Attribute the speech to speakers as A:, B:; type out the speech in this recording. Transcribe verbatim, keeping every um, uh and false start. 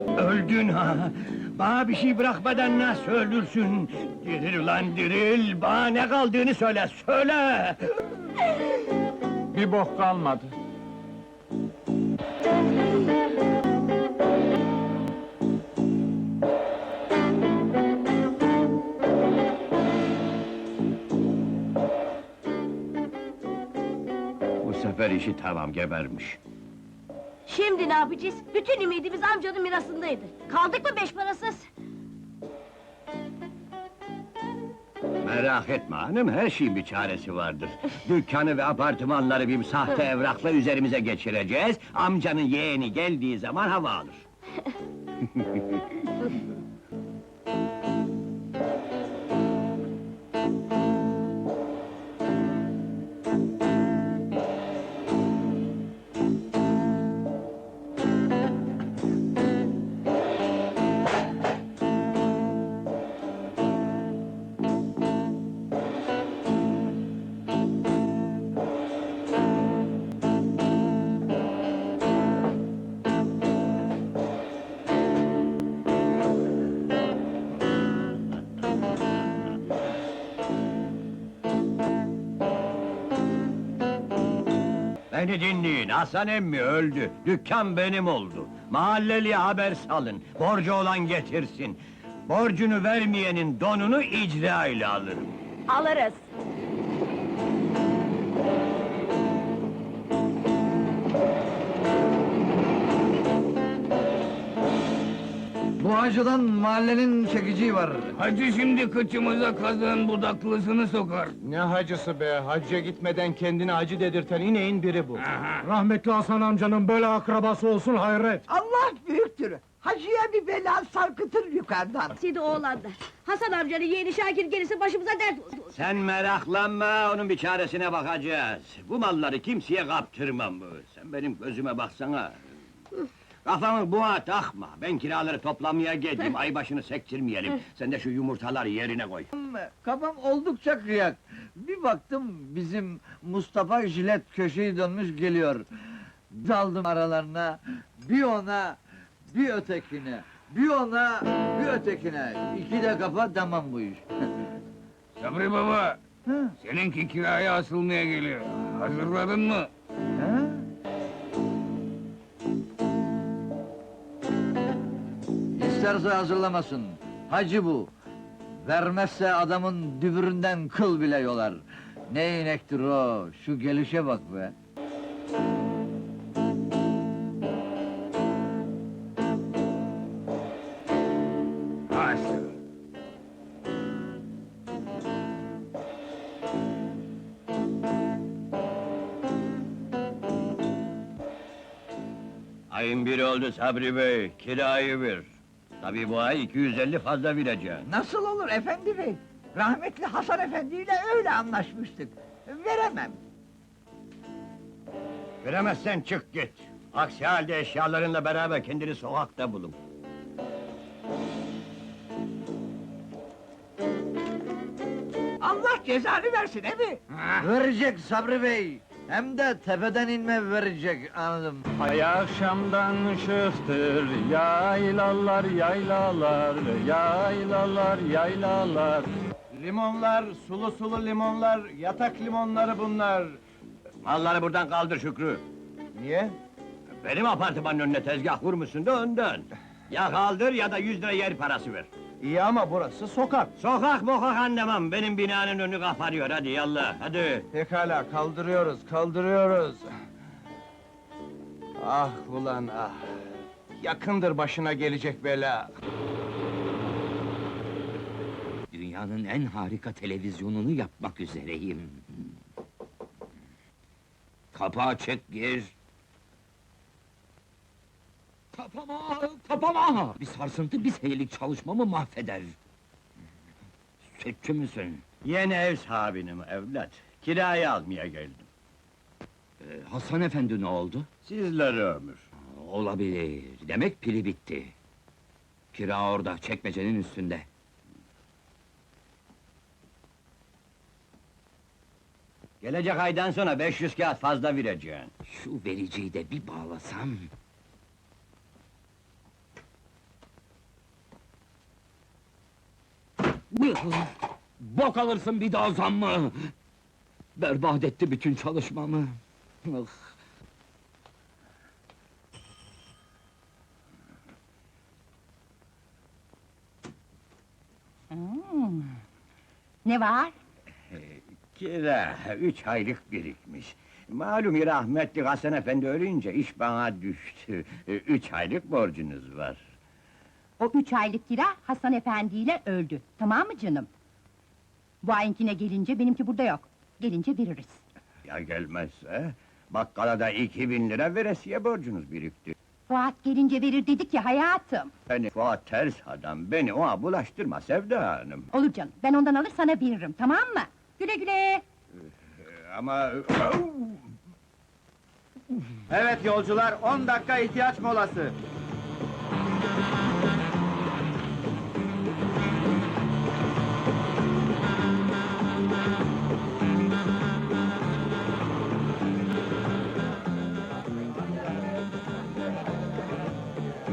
A: Öldün ha! Bana bir şey bırakmadan nasıl öldürsün? Diril ulan diril! Bana ne kaldığını söyle, söyle!
B: Bir bok kalmadı.
A: Bu sefer işi tamam, gebermiş.
C: Şimdi ne yapacağız? Bütün ümidimiz amcanın mirasındaydı. Kaldık mı beş parasız?
A: Merak etme hanım, her şeyin bir çaresi vardır. Dükkanı ve apartmanları bir sahte evrakla üzerimize geçireceğiz. Amcanın yeğeni geldiği zaman hava alır. Beni dinleyin, Hasan emmi öldü, dükkan benim oldu. Mahalleliye haber salın, borcu olan getirsin. Borcunu vermeyenin donunu icra ile alırım.
C: Alırız.
D: Bu hacıdan mahallenin çekiciği var.
E: Hacı şimdi kıçımıza kazığın budaklısını sokar.
B: Ne hacısı be, hacca gitmeden kendini hacı dedirten ineğin biri bu.
E: Aha.
B: Rahmetli Hasan amcanın böyle akrabası olsun hayret.
F: Allah büyüktür. Hacıya bir bela sarkıtır yukarıdan.
C: Sidi oğlanlar. Hasan amcanın yeğeni Şakir gelirse başımıza dert olur.
A: Sen meraklanma, onun bir çaresine bakacağız. Bu malları kimseye kaptırmam. Sen benim gözüme baksana. Kafamı buğa takma, ben kiraları toplamaya geldim, ay başını sektirmeyelim. Sen de şu yumurtaları yerine koy.
D: Kafam oldukça kıyak. Bir baktım bizim Mustafa jilet köşeyi dönmüş geliyor. Daldım aralarına, bir ona, bir ötekine, bir ona, bir ötekine. İki de kafa tamam bu iş.
E: Sabri baba,
D: Hı,
E: seninki kiraya asılmaya geliyor. Hazırladın mı?
D: ha? İsterse hazırlamasın. Hacı bu. Vermezse adamın dübüründen kıl bile yolar. Ne inektir o, şu gelişe bak be.
E: Haşa.
A: Ayın biri oldu Sabri Bey, kirayı ver. Tabii bu ay iki yüz elli fazla vereceğim.
F: Nasıl olur efendi bey? Rahmetli Hasan Efendi ile öyle anlaşmıştık. Veremem.
A: Veremezsen çık git. Aksi halde eşyalarınla beraber kendini sokakta bulun.
F: Allah cezanı versin he mi?
E: Ha?
D: Verecek Sabri Bey. Hem de tepeden inme verecek, anladım.
B: Ay akşamdan ışıktır, yaylalar yaylalar, yaylalar yaylalar. Limonlar, sulu sulu limonlar, yatak limonları bunlar.
A: Malları buradan kaldır Şükrü.
B: Niye?
A: Benim apartmanın önüne tezgah kurmuşsun da ondan. Ya kaldır ya da yüz lira yer parası ver.
B: İyi ama burası sokak.
A: Sokak mokak anlamam, benim binanın önü kapanıyor, hadi yallah, hadi!
B: Pekala, kaldırıyoruz, kaldırıyoruz. Ah ulan ah! Yakındır başına gelecek bela.
G: Dünyanın en harika televizyonunu yapmak üzereyim. Kapağı çek gir. Kapama, kapama! Bir sarsıntı, bir senelik çalışmamı mahveder. Sütçü müsün?
A: Yeni ev sahibinim evlat, kirayı almaya geldim.
G: Ee, Hasan efendi ne oldu?
A: Sizlere ömür.
G: Olabilir, demek pili bitti. Kira orada, çekmecenin üstünde.
A: Gelecek aydan sonra beş yüz kağıt fazla vereceğim.
G: Şu vericiyi de bir bağlasam... Bok alırsın bir daha zammı! Berbat etti bütün çalışmamı!
H: Hmm. Ne var?
A: Kira, üç aylık birikmiş. Malum rahmetli Hasan Efendi ölünce iş bana düştü. E, Üç aylık borcunuz var.
H: O üç aylık kira Hasan Efendi ile öldü. Tamam mı canım? Bu ayinkine gelince benimki burada yok. Gelince veririz.
A: Ya gelmezse? Bakkala da iki bin lira veresiye borcunuz birikti.
H: Fuat gelince verir dedik ya hayatım.
A: Beni Fuat ters adam, beni ona bulaştırma Sevda Hanım.
H: Olur canım, ben ondan alır sana veririm, tamam mı? Güle güle!
A: E, Ama...
B: Evet yolcular, on dakika ihtiyaç molası.